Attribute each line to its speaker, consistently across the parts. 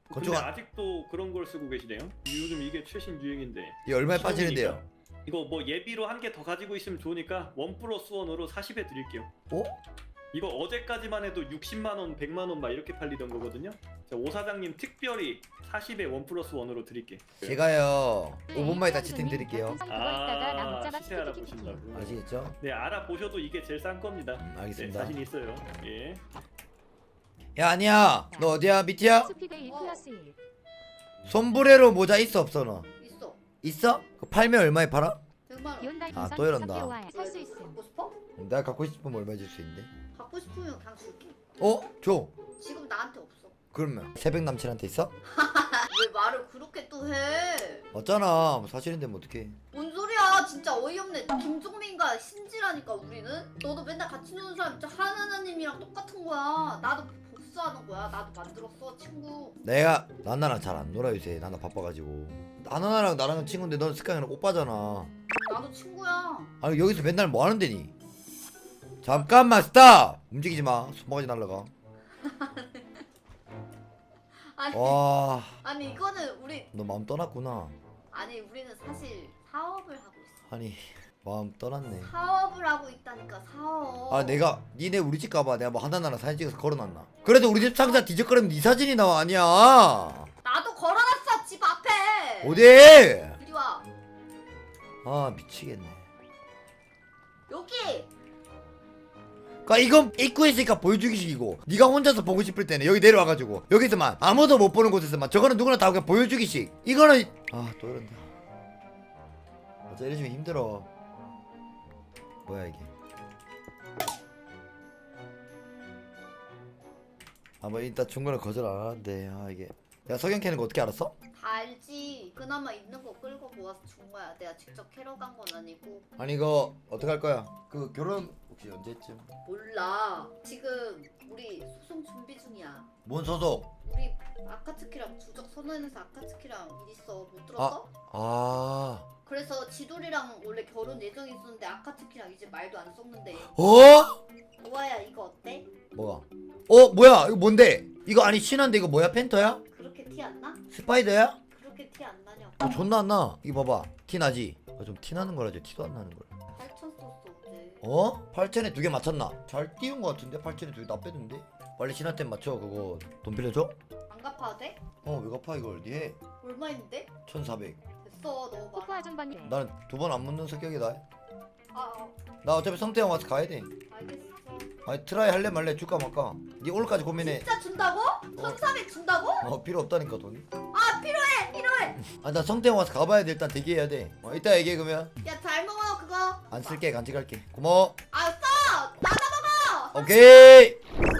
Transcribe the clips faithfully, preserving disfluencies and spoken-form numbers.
Speaker 1: 건축
Speaker 2: 근데 아직도 그런 걸 쓰고 계시네요. 요즘 이게 최신 유행인데.
Speaker 1: 이 얼마에 빠지는데요?
Speaker 2: 이거 뭐 예비로 한 개 더 가지고 있으면 좋으니까 원 플러스 원으로 사십에 드릴게요.
Speaker 1: 어?
Speaker 2: 이거 어제까지만 해도 육십만 원, 백만 원 막 이렇게 팔리던 거거든요. 자, 오 사장님 특별히 사십에 원 플러스 원으로 드릴게.
Speaker 1: 제가요 오 분만 있다 채팅 드릴게요.
Speaker 2: 아, 시세 알아보신다고.
Speaker 1: 아시겠죠?
Speaker 2: 네, 알아보셔도 이게 제일 싼 겁니다.
Speaker 1: 음,
Speaker 2: 네,
Speaker 1: 알겠습니다.
Speaker 2: 자신 있어요. 예.
Speaker 1: 야 아니야 너 어디야 미티야?
Speaker 3: 스피드 일 플러스 일.
Speaker 1: 솜브레로 모자 있어 없어 너?
Speaker 4: 있어.
Speaker 1: 있어? 그 팔면 얼마에 팔아?
Speaker 4: 백만 원.
Speaker 3: 기온달
Speaker 1: 아,
Speaker 3: 동선
Speaker 1: 또 이런다.
Speaker 3: 삼 개월 살수 있음.
Speaker 4: 갖고 싶어?
Speaker 1: 내가 갖고 싶으면 얼마 줄 수 있는데?
Speaker 4: 갖고 싶으면 그냥 줄게.
Speaker 1: 어? 줘.
Speaker 4: 지금 나한테 없어.
Speaker 1: 그러면 새벽 남친한테 있어?
Speaker 4: 왜 말을 그렇게 또 해?
Speaker 1: 어쩌나 뭐 사실인데 뭐 어떡해.
Speaker 4: 뭔 소리야? 진짜 어이없네. 김종민과 신지라니까 우리는. 너도 맨날 같이 노는 사람 진짜 하나하나님이랑 똑같은 거야. 나도 복수하는 거야. 나도 만들었어 친구.
Speaker 1: 내가 난나랑 잘 안 놀아 요새. 나나 바빠가지고. 나나랑 나랑은 친구인데 넌 스카이랑 오빠잖아.
Speaker 4: 나도 친구야.
Speaker 1: 아니 여기서 맨날 뭐 하는 데니? 잠깐만 스탑! 움직이지 마. 손바가지 날라가.
Speaker 4: 아니
Speaker 1: 와,
Speaker 4: 아니 이거는 우리
Speaker 1: 너 마음 떠났구나.
Speaker 4: 아니 우리는 사실 사업을 하고 있어.
Speaker 1: 아니 마음 떠났네.
Speaker 4: 사업을 하고 있다니까 사업.
Speaker 1: 아 내가 니네 우리 집 가봐. 내가 뭐 하나나랑 사진 찍어서 걸어놨나? 그래도 우리 집 상자 뒤적거리면 네 사진이 나와. 아니야.
Speaker 4: 나도 걸어놨어 집 앞에.
Speaker 1: 어디?
Speaker 4: 이리 와.
Speaker 1: 아 미치겠네.
Speaker 4: 여기.
Speaker 1: 그니까 이건 입구에 있으니까 보여주기식이고 네가 혼자서 보고 싶을 때는 여기 내려와가지고 여기서만 아무도 못 보는 곳에서만 저거는 누구나 다 그냥 보여주기식. 이거는 아 또 이런다. 어째 이러시면 힘들어. 뭐야 이게. 아 뭐 일단 중간에 거절 안 하는데 아 이게 야 석영 캐는 거 어떻게 알았어?
Speaker 4: 다 알지. 그나마 있는 거 끌고 모아서 준 거야. 내가 직접 캐러 간 건 아니고.
Speaker 1: 아니 이거 어떻게 할 거야? 그 결혼 혹시 언제쯤?
Speaker 4: 몰라. 지금 우리 소송 준비 중이야.
Speaker 1: 뭔 소속?
Speaker 4: 우리 아카츠키랑 주적 선언해서 아카츠키랑 일 있어. 못 들었어?
Speaker 1: 아
Speaker 4: 그래서 지돌이랑 원래 결혼 예정이 있었는데 아카츠키랑 이제 말도 안 섞는데.
Speaker 1: 어?
Speaker 4: 우아야 이거 어때?
Speaker 1: 뭐가? 어 뭐야 이거 뭔데? 이거 아니 신한데 이거 뭐야 펜터야?
Speaker 4: 그렇게 티 안 나?
Speaker 1: 스파이더야?
Speaker 4: 그렇게 티 안 나냐고.
Speaker 1: 어, 존나 안 나. 이거 봐봐. 티 나지? 어, 좀 티 나는 거라지. 티도 안 나는 거야.
Speaker 4: 팔천 썼어 어제.
Speaker 1: 어? 팔천에 두 개 맞췄나? 잘 띄운 거 같은데? 팔천에 두 개 나 뺐는데? 빨리 신한테 맞춰. 그거 돈 빌려줘?
Speaker 4: 안 갚아도 돼?
Speaker 1: 어, 왜 갚아 이걸? 니 해.
Speaker 4: 얼마인데?
Speaker 1: 천사백.
Speaker 4: 됐어 너무
Speaker 3: 코코
Speaker 4: 많아.
Speaker 3: 아줌마님.
Speaker 1: 나는 두 번 안 묻는 성격이다.
Speaker 4: 아, 아
Speaker 1: 나 어차피 성태형 와서 가야 돼.
Speaker 4: 알겠어.
Speaker 1: 아니 트라이 할래 말래 줄까 말까? 니 오늘까지 고민해.
Speaker 4: 진짜 준다고? 천사백 준다고?
Speaker 1: 어 필요 없다니까 돈이.
Speaker 4: 아 필요해 필요해.
Speaker 1: 아 나 성태형 와서 가봐야 돼. 일단 대기해야 돼. 어 이따 얘기해 그러면.
Speaker 4: 야 잘 먹어 그거.
Speaker 1: 안 쓸게 간직할게. 고마워.
Speaker 4: 아 써! 나눠 먹어!
Speaker 1: 오케이.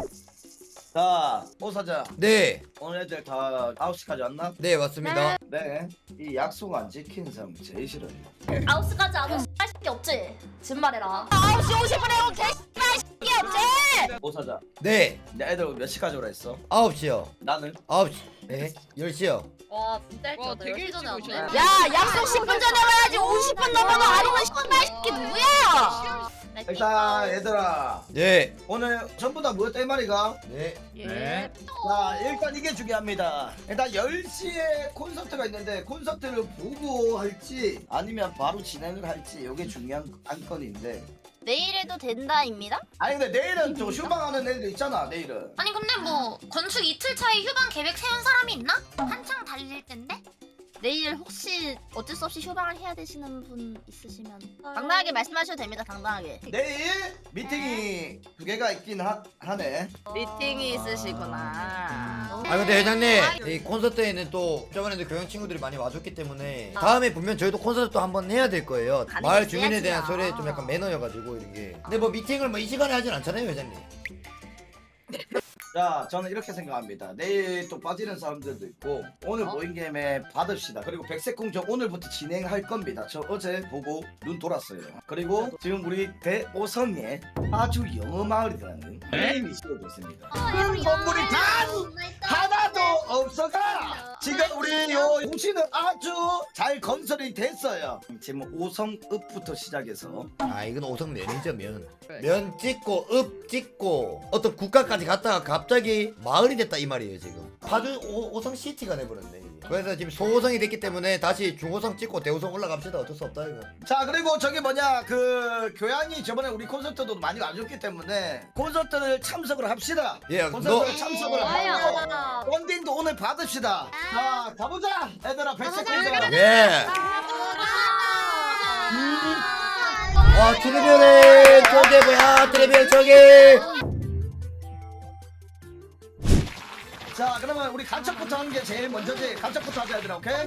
Speaker 5: 자, 오 사장.
Speaker 1: 네.
Speaker 5: 오늘 애들 다 아홉 시까지 왔나?
Speaker 1: 네 맞습니다.
Speaker 5: 네. 이 약속 안 지키는 사람 제일 싫어요.
Speaker 6: 아홉 시까지 안 오면 X이 없지? 진말해라. 아홉 시 오십 분에 오면 개X이 없지?
Speaker 5: 오 사장.
Speaker 1: 네.
Speaker 5: 내 애들 몇 시까지 오라 했어?
Speaker 1: 아홉 시요.
Speaker 5: 나는?
Speaker 1: 아홉 시. 네. 열 시요.
Speaker 6: 와 진짜 일찍 왔다. 열 시 전에 왔네.
Speaker 5: 오셨네.
Speaker 6: 야 약속 십 분 전에 와야지. 오십 분 넘어도 안 오면 씨발 새끼 누구야?
Speaker 5: 일단 얘들아
Speaker 1: 네.
Speaker 5: 오늘 전부 다 모였다 이 말이가?
Speaker 1: 네.
Speaker 6: 예.
Speaker 5: 자 일단 이게 중요합니다. 일단 열 시에 콘서트가 있는데 콘서트를 보고 할지 아니면 바로 진행을 할지 이게 중요한 안건인데
Speaker 6: 내일 해도 된다입니다?
Speaker 5: 아니 근데 내일은 저 휴방하는 애들 있잖아 내일은.
Speaker 7: 아니 근데 뭐 건축 이틀 차에 휴방 계획 세운 사람이 있나? 한창 달릴 텐데?
Speaker 6: 내일 혹시 어쩔 수 없이 휴방을 해야 되시는 분 있으시면 당당하게 말씀하셔도 됩니다. 당당하게.
Speaker 5: 내일 미팅이 두 개가 있긴 하, 하네.
Speaker 6: 미팅이 있으시구나.
Speaker 1: 아 근데 회장님 이 콘서트에는 또 저번에도 교양 친구들이 많이 와줬기 때문에 다음에 분명 저희도 콘서트 또 한번 해야 될 거예요. 마을 주민에 대한 소리에 좀 약간 매너여가지고 이런 게. 근데 뭐 미팅을 뭐 이 시간에 하진 않잖아요 회장님.
Speaker 5: 자 저는 이렇게 생각합니다. 내일 또 빠지는 사람들도 있고 오늘
Speaker 6: 어?
Speaker 5: 모인 김에 받읍시다. 그리고 백색공정 오늘부터 진행할 겁니다. 저 어제 보고 눈 돌았어요. 그리고 지금 우리 대오성에 아주 영어 마을이라는 게임이 씌워졌습니다. 그 건물이 단 하나도 없어가 지금 우리 요 도시는 아주 잘 건설이 됐어요. 지금 오성읍부터 시작해서
Speaker 1: 아 이건 오성 면이죠 면. 면 찍고 읍 찍고 어떤 국가까지 갔다가 갑자기 마을이 됐다 이 말이에요 지금. 파주 오, 오성 시티가 돼버렸네 이게. 그래서 지금 소호성이 됐기 때문에 다시 중호성 찍고 대호성 올라갑시다. 어쩔 수 없다 이거.
Speaker 5: 자 그리고 저기 뭐냐 그 교양이 저번에 우리 콘서트도 많이 와줬기 때문에 콘서트를 참석을 합시다.
Speaker 1: 예, 너
Speaker 5: 콘서트를 참석을
Speaker 6: 좋아요.
Speaker 5: 하고 펀딩도 오늘 받읍시다. 자 가보자 얘들아 백색 공장.
Speaker 1: 예. 와 트리비얼에 저게 뭐야 트리비얼 저게.
Speaker 5: 자 그러면 우리 간척부터 하는 게 제일 먼저지. 간척부터 하자 얘들아 오케이?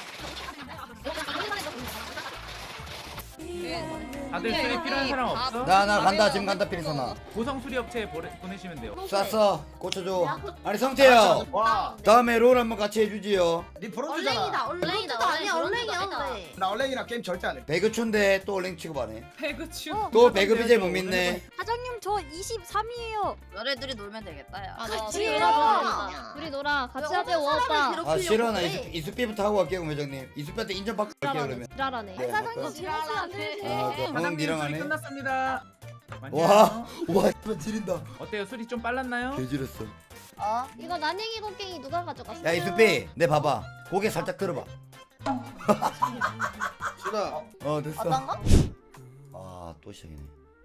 Speaker 8: 다들 수리 필요한 사람 없어?
Speaker 1: 나 나 간다 지금 간다 피리선아.
Speaker 8: 고성 수리 업체에 보내, 보내시면 돼요.
Speaker 1: 쐈어 꽂혀줘. 아니 성태야
Speaker 5: 와,
Speaker 1: 다음에 롤 한번 같이 해주지요.
Speaker 5: 니 프로듀잖아.
Speaker 6: 얼랭이다 아니야 얼랭이야.
Speaker 5: 나 얼랭이랑 게임 절대 안 해.
Speaker 1: 배그촌데 또 얼랭 취급하네.
Speaker 8: 배그치.
Speaker 1: 또 배그 비제 못 믿네.
Speaker 3: 사장님 저 이십삼이에요.
Speaker 6: 너네들이 놀면 되겠다 야.
Speaker 3: 같이
Speaker 6: 아,
Speaker 3: 놀아. 둘이 놀아. 같이 하자 오빠.
Speaker 1: 아 싫어 나 이수, 이수삐부터 하고 갈게요 회장님. 이수삐한테 인정받고 갈게요 그러면.
Speaker 3: 지랄하네.
Speaker 1: 네,
Speaker 3: 사장님
Speaker 1: 아까-
Speaker 3: 지랄하면 안 되지.
Speaker 1: 아, 그
Speaker 8: 사장님
Speaker 1: 니랑
Speaker 8: 수리
Speaker 1: 하네.
Speaker 8: 끝났습니다.
Speaker 1: 와, 와, 이번 지린다.
Speaker 8: 어때요? 수리 좀 빨랐나요?
Speaker 1: 개지렸어.
Speaker 6: 어?
Speaker 3: 이거 난행이 곡괭이 누가 가져갔어?
Speaker 1: 야 이수삐, 내 봐봐. 고개 살짝 들어봐.
Speaker 5: 준아.
Speaker 1: 어 됐어.
Speaker 6: 어떤 거?
Speaker 1: 아 또 시작이네.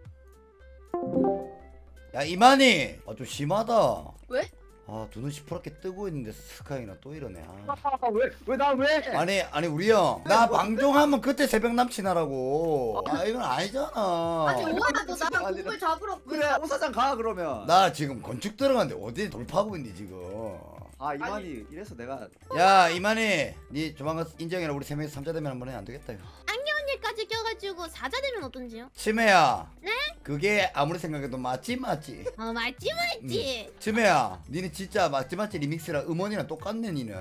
Speaker 1: 야 이만희, 아 좀 심하다.
Speaker 4: 왜?
Speaker 1: 아 두 눈 시퍼렇게 뜨고 있는데 스카이나 또 이러네. 아.
Speaker 5: 왜왜 나 왜?
Speaker 1: 아니 아니 우리 형, 나 방종하면 그때 새벽 남친하라고. 아 이건 아니잖아.
Speaker 4: 아니 오야 너 나랑 공을 잡으러
Speaker 9: 그래 오사장 가 그러면.
Speaker 1: 나 지금 건축 들어갔는데 어디 돌파하고 있니 지금?
Speaker 9: 아 이만희 이래서 내가
Speaker 1: 야 이만희, 니 조만간 인정해라. 우리 세 명이서 삼자 되면 한번 해. 안 되겠다 이거.
Speaker 3: 언니까지 껴가지고 사자 되면 어떤지요?
Speaker 1: 치매야. 네? 그게 아무리 생각해도 맞지 맞지.
Speaker 3: 어 맞지 맞지.
Speaker 1: 치매야, 니는 진짜 맞지 맞지 리믹스랑 음원이랑 똑같네 니는.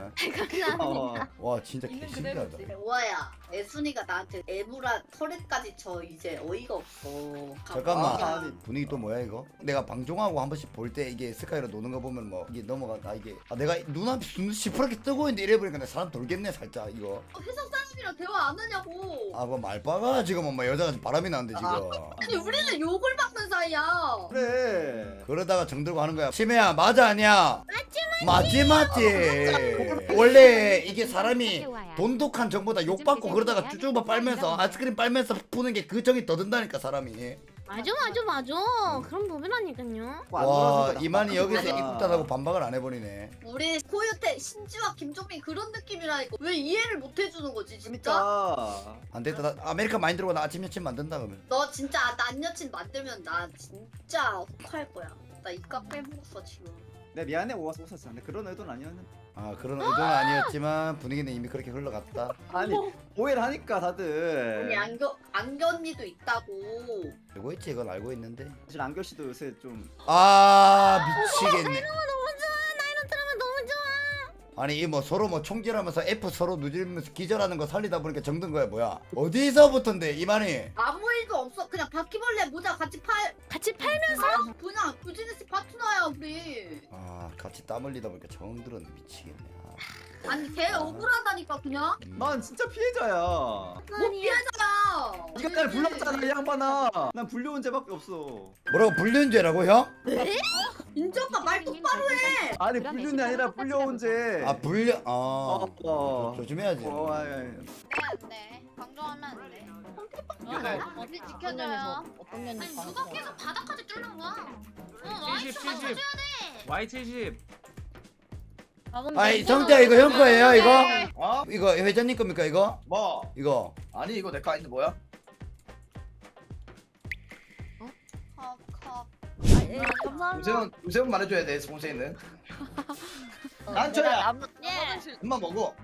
Speaker 9: 어,
Speaker 1: 와 진짜 개신기하다.
Speaker 4: 오아야 애순이가 나한테 애무라 털에까지 쳐 이제 어이가 없어.
Speaker 1: 잠깐만,
Speaker 9: 아, 아니.
Speaker 1: 분위기 또 뭐야 이거? 내가 방종하고 한 번씩 볼 때 이게 스카이로 노는 거 보면 뭐 이게 넘어가. 아 이게 아 내가 눈앞이 눈 시퍼렇게 뜨고 있는데 이래 보니까 내 사람 돌겠네 살짝 이거.
Speaker 4: 회사 사람이랑 대화 안 하냐고.
Speaker 1: 아 뭐 말빠가 지금 엄마 여자가 바람이 나는데 지금.
Speaker 4: 아니 우리는 욕을 받는 사이야.
Speaker 9: 그래.
Speaker 1: 그러다가 정들고 하는 거야. 치매야 맞아 아니야? 맞지 맞지 맞지. 원래 이게 사람이 돈독한 정보다 욕 받고 그러다가 쭈쭈바 빨면서 아이스크림 빨면서 푸는 게 그 정이 더 든다니까 사람이.
Speaker 3: 맞아 맞아 맞아. 그럼 보면라니까요.
Speaker 1: 와 이만희 여기서
Speaker 9: 아니,
Speaker 1: 입국 닫하고 반박을 안 해버리네.
Speaker 4: 우리 코요태 신지와 김종민 그런 느낌이라니까 왜 이해를 못 해주는 거지 진짜?
Speaker 9: 그러니까.
Speaker 1: 안 되겠다. 나 아메리카 많이 들고 나 아침 여친 만든다 그러면.
Speaker 4: 너 진짜 난 여친 만들면 나 진짜 혹할 거야. 나 입가 빼먹었어 지금.
Speaker 9: 내 미안해 오사 오사장. 내 그런 의도는 아니었는데.
Speaker 1: 아 그런 의도는 아니었지만 분위기는 이미 그렇게 흘러갔다.
Speaker 9: 아니 오해를 하니까
Speaker 4: 우리
Speaker 9: 다들.
Speaker 4: 안겨 안겨 언니도 있다고.
Speaker 1: 알고 있지 이건 알고 있는데.
Speaker 9: 사실 안결 씨도 요새 좀.
Speaker 1: 아 미치겠네.
Speaker 3: 너무 좋아. 나 이런 드라마 너무 좋아.
Speaker 1: 아니 이 뭐 서로 뭐 총질하면서 F 서로 누질면서 기절하는 거 살리다 보니까 정든 거야 뭐야? 어디서부터인데 이만희?
Speaker 4: 아무 일도 없어. 그냥 바퀴벌레 모자 같이 팔.
Speaker 3: 같이 팔면서
Speaker 4: 아, 그냥 비즈니스 파트너야 우리.
Speaker 1: 아 같이 땀 흘리다 보니까 정들은 미치겠네. 아.
Speaker 4: 아니 걔 억울하다니까 그냥.
Speaker 1: 음.
Speaker 9: 난 진짜 피해자야.
Speaker 4: 뭐 피해자야.
Speaker 9: 네가 날 불렀잖아 이 양반아. 난 불려온 죄밖에 없어.
Speaker 1: 뭐라고 불륜죄라고 형?
Speaker 4: 인정봐 말 똑바로 해.
Speaker 9: 아니 불륜이 아니라 불려온 죄.
Speaker 1: 아 불륜 아
Speaker 9: 어, 어.
Speaker 1: 조심해야지.
Speaker 9: 어, 아, 아, 아.
Speaker 6: 네. 방종하면 안 돼.
Speaker 8: 네.
Speaker 6: 어디 지켜줘요. 어떤 면에서
Speaker 7: 아니 누가 계속 바닥까지 뚫는 거야? 어
Speaker 8: 칠십,
Speaker 7: 와이프가
Speaker 8: 칠십.
Speaker 7: 쳐줘야 돼.
Speaker 8: 와이 칠십.
Speaker 1: 아이 성태야 이거 형 거예요 이거?
Speaker 5: 어?
Speaker 1: 이거 회장님 겁니까 이거?
Speaker 5: 뭐?
Speaker 1: 이거
Speaker 5: 아니 이거 내 거 아닌데 뭐야?
Speaker 6: 컵컵.
Speaker 3: 예, 감사합니다.
Speaker 5: 우세훈 우세훈 말해줘야 돼 봉세이는. 난초야.
Speaker 6: 예.
Speaker 5: 엄마 먹어.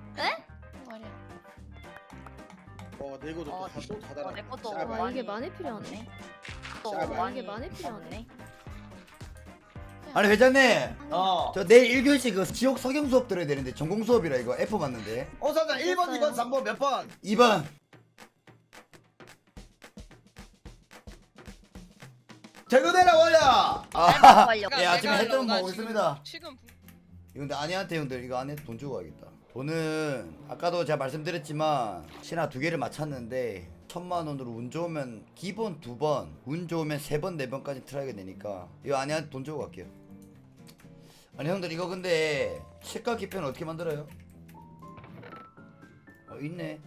Speaker 9: 어, 내 이거
Speaker 6: 어,
Speaker 9: 또 다
Speaker 6: 어, 내 것도
Speaker 5: 아,
Speaker 3: 와 이게 많이 필요하네.
Speaker 6: 또
Speaker 5: 아,
Speaker 6: 많이
Speaker 3: 이게 많이 필요하네.
Speaker 1: 아니 회장님
Speaker 5: 어.
Speaker 1: 저 내일 일 교시 그 지옥 석영 수업 들어야 되는데 전공 수업이라 이거 F 맞는데
Speaker 5: 오사장 일 번, 이 번, 삼 번 몇 번?
Speaker 1: 이 번
Speaker 5: 퇴근해라 원야.
Speaker 1: 아,
Speaker 6: 완료.
Speaker 1: 예 아침에 했던 거 먹고
Speaker 10: 지금-
Speaker 1: 있습니다.
Speaker 10: 지금
Speaker 1: 이거 근데 아니한테 형들 이거 안에 돈 주고 가야겠다. 돈은 아까도 제가 말씀드렸지만 신화 두 개를 맞췄는데 천만 원으로 운 좋으면 기본 두 번, 운 좋으면 세 번, 네 번까지 트라이가 되니까 이거 아니한테 돈 주고 갈게요. 아니 형들 이거 근데 색깔 기표는 어떻게 만들어요? 어 있네.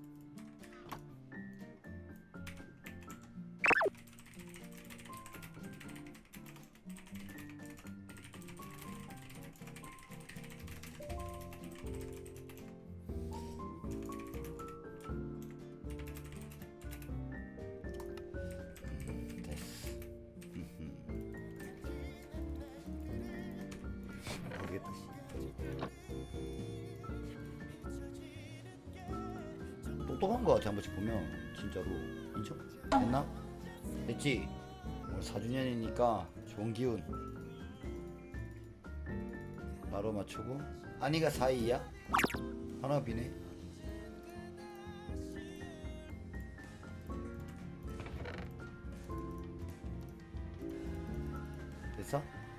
Speaker 1: 음, 됐어. 음흠. 모르겠다. 똑똑한 거 같아 한 번씩 보면 진짜로. 인정? 됐나? 됐지? 오늘 사 주년이니까 좋은 기운 바로 맞추고. 아니가 사이야? 하나 비네. 됐어?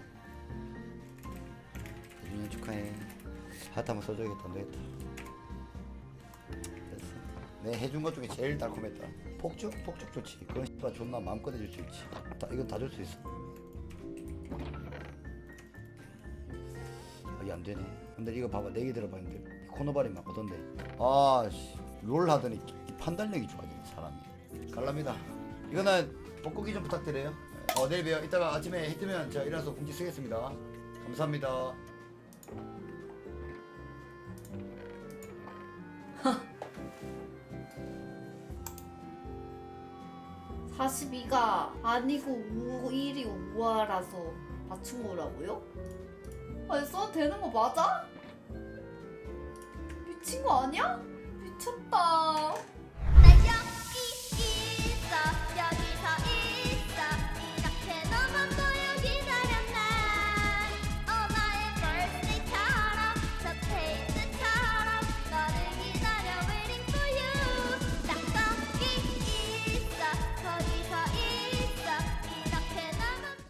Speaker 1: 사 주년 축하해. 하트 한번 써줘야겠다. 안 되겠다. 됐어. 내 해준 것 중에 제일 달콤했다. 폭죽? 폭죽 좋지. 그건 씨발 존나 마음껏 해줄 수 있지. 다, 이건 다 줄 수 있어. 아, 이게 안 되네. 근데 이거 봐봐. 내기 들어봐. 근데 코너발이 막 오던데. 아씨. 롤 하더니 판단력이 좋아지네 사람이. 갈랍니다. 이거는 복고기 좀 부탁드려요. 어 내일 봬요. 이따가 아침에 해 뜨면 제가 일어나서 공지 쓰겠습니다. 감사합니다.
Speaker 4: 사십이가 아니고 오, 일이 오화라서 맞춘 거라고요? 아니 써도 되는 거 맞아? 미친 거 아니야? 미쳤다.